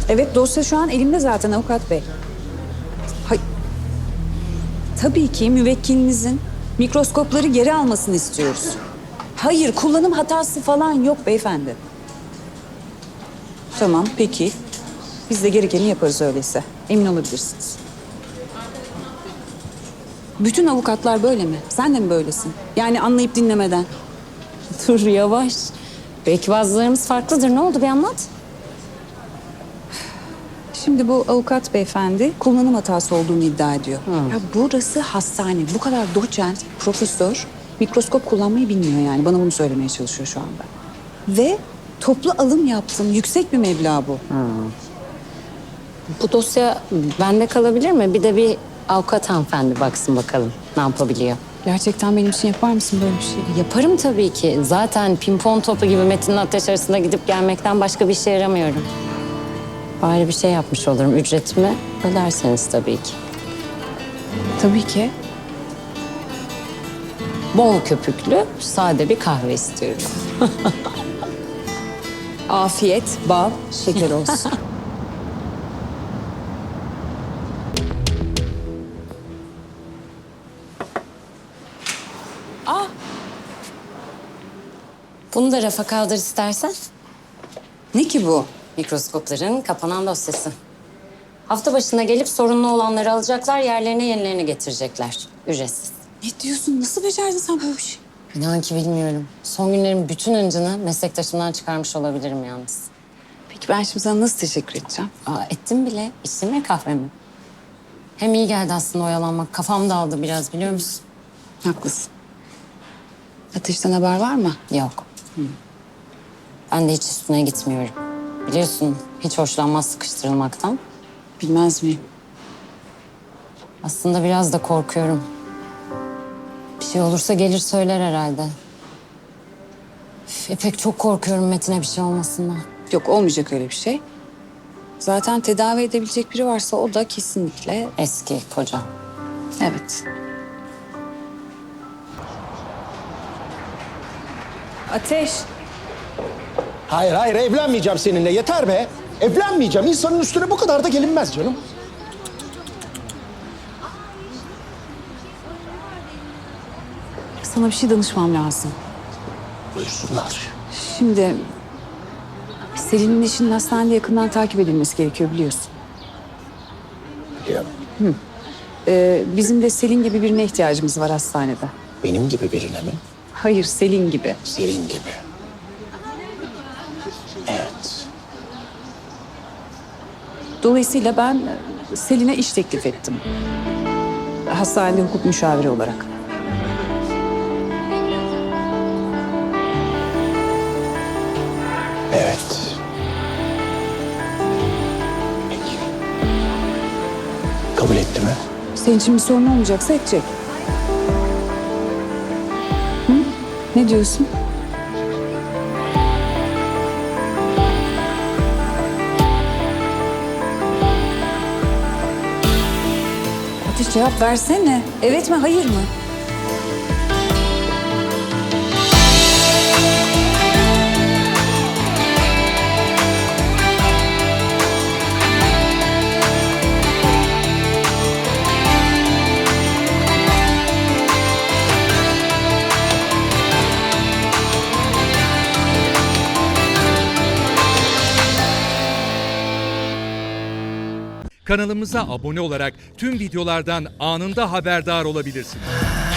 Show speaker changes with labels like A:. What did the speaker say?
A: Evet, dosya şu an elimde zaten avukat bey. Hay Tabii ki müvekkilinizin mikroskopları geri almasını istiyoruz. Hayır, kullanım hatası falan yok beyefendi. Tamam, peki. Biz de gerekeni yaparız öyleyse. Emin olabilirsiniz. Bütün avukatlar böyle mi? Sen de mi böylesin? Yani anlayıp dinlemeden.
B: Dur yavaş. Belki bazılarımız farklıdır. Ne oldu bir anlat.
A: Şimdi bu avukat beyefendi kullanım hatası olduğunu iddia ediyor. Ya burası hastane. Bu kadar doçent, profesör mikroskop kullanmayı bilmiyor yani. Bana bunu söylemeye çalışıyor şu anda. Ve toplu alım yaptım. Yüksek bir meblağ bu.
B: Bu dosya bende kalabilir mi? Bir de bir avukat hanımefendi baksın bakalım ne yapabiliyor.
A: Gerçekten benim için yapar mısın böyle bir şey?
B: Yaparım tabii ki. Zaten pimpon topu gibi Metin'le Ateş arasında gidip gelmekten başka bir işe yaramıyorum. Bari bir şey yapmış olurum. Ücretimi öderseniz tabii ki.
A: Tabii ki.
B: Bol köpüklü, sade bir kahve istiyorum.
A: Afiyet, bal, şeker olsun.
B: Bunu da rafa kaldır istersen.
A: Ne ki bu?
B: Mikroskopların kapanan dosyası. Hafta başına gelip sorunlu olanları alacaklar, yerlerine yenilerini getirecekler. Ücretsiz.
A: Ne diyorsun? Nasıl becerdin sen böyle bir şey?
B: İnan ki bilmiyorum. Son günlerin bütün hıncını meslektaşımdan çıkarmış olabilirim yalnız.
A: Peki ben şimdi sana nasıl teşekkür edeceğim?
B: Ettim bile. İçtim ya kahvemi. Hem iyi geldi aslında oyalanmak. Kafam dağıldı biraz biliyor musun?
A: Haklısın. Ateşten haber var mı?
B: Yok. Ben de hiç üstüne gitmiyorum. Biliyorsun hiç hoşlanmaz sıkıştırılmaktan.
A: Bilmez miyim?
B: Aslında biraz da korkuyorum. Bir şey olursa gelir söyler herhalde. Pek çok korkuyorum Metin'e bir şey olmasından.
A: Yok olmayacak öyle bir şey. Zaten tedavi edebilecek biri varsa o da kesinlikle...
B: Eski koca.
A: Evet. Ateş.
C: Hayır hayır evlenmeyeceğim seninle yeter be. Evlenmeyeceğim. İnsanın üstüne bu kadar da gelinmez canım.
A: Sana bir şey danışmam lazım.
C: Buyursunlar.
A: Şimdi Selin'in işinin hastanede yakından takip edilmesi gerekiyor biliyorsun.
C: Biliyorum.
A: Bizim de Selin gibi birine ihtiyacımız var hastanede.
C: Benim gibi birine mi?
A: Hayır, Selin gibi.
C: Selin gibi. Evet.
A: Dolayısıyla ben Selin'e iş teklif ettim. Hastanede hukuk müşaviri olarak.
C: Evet. Peki. Kabul etti mi?
A: Senin için bir sorun olmayacaksa edecek. Hı? Ne diyorsun? Ateş cevap versene. Evet mi, hayır mı?
D: Kanalımıza abone olarak tüm videolardan anında haberdar olabilirsiniz.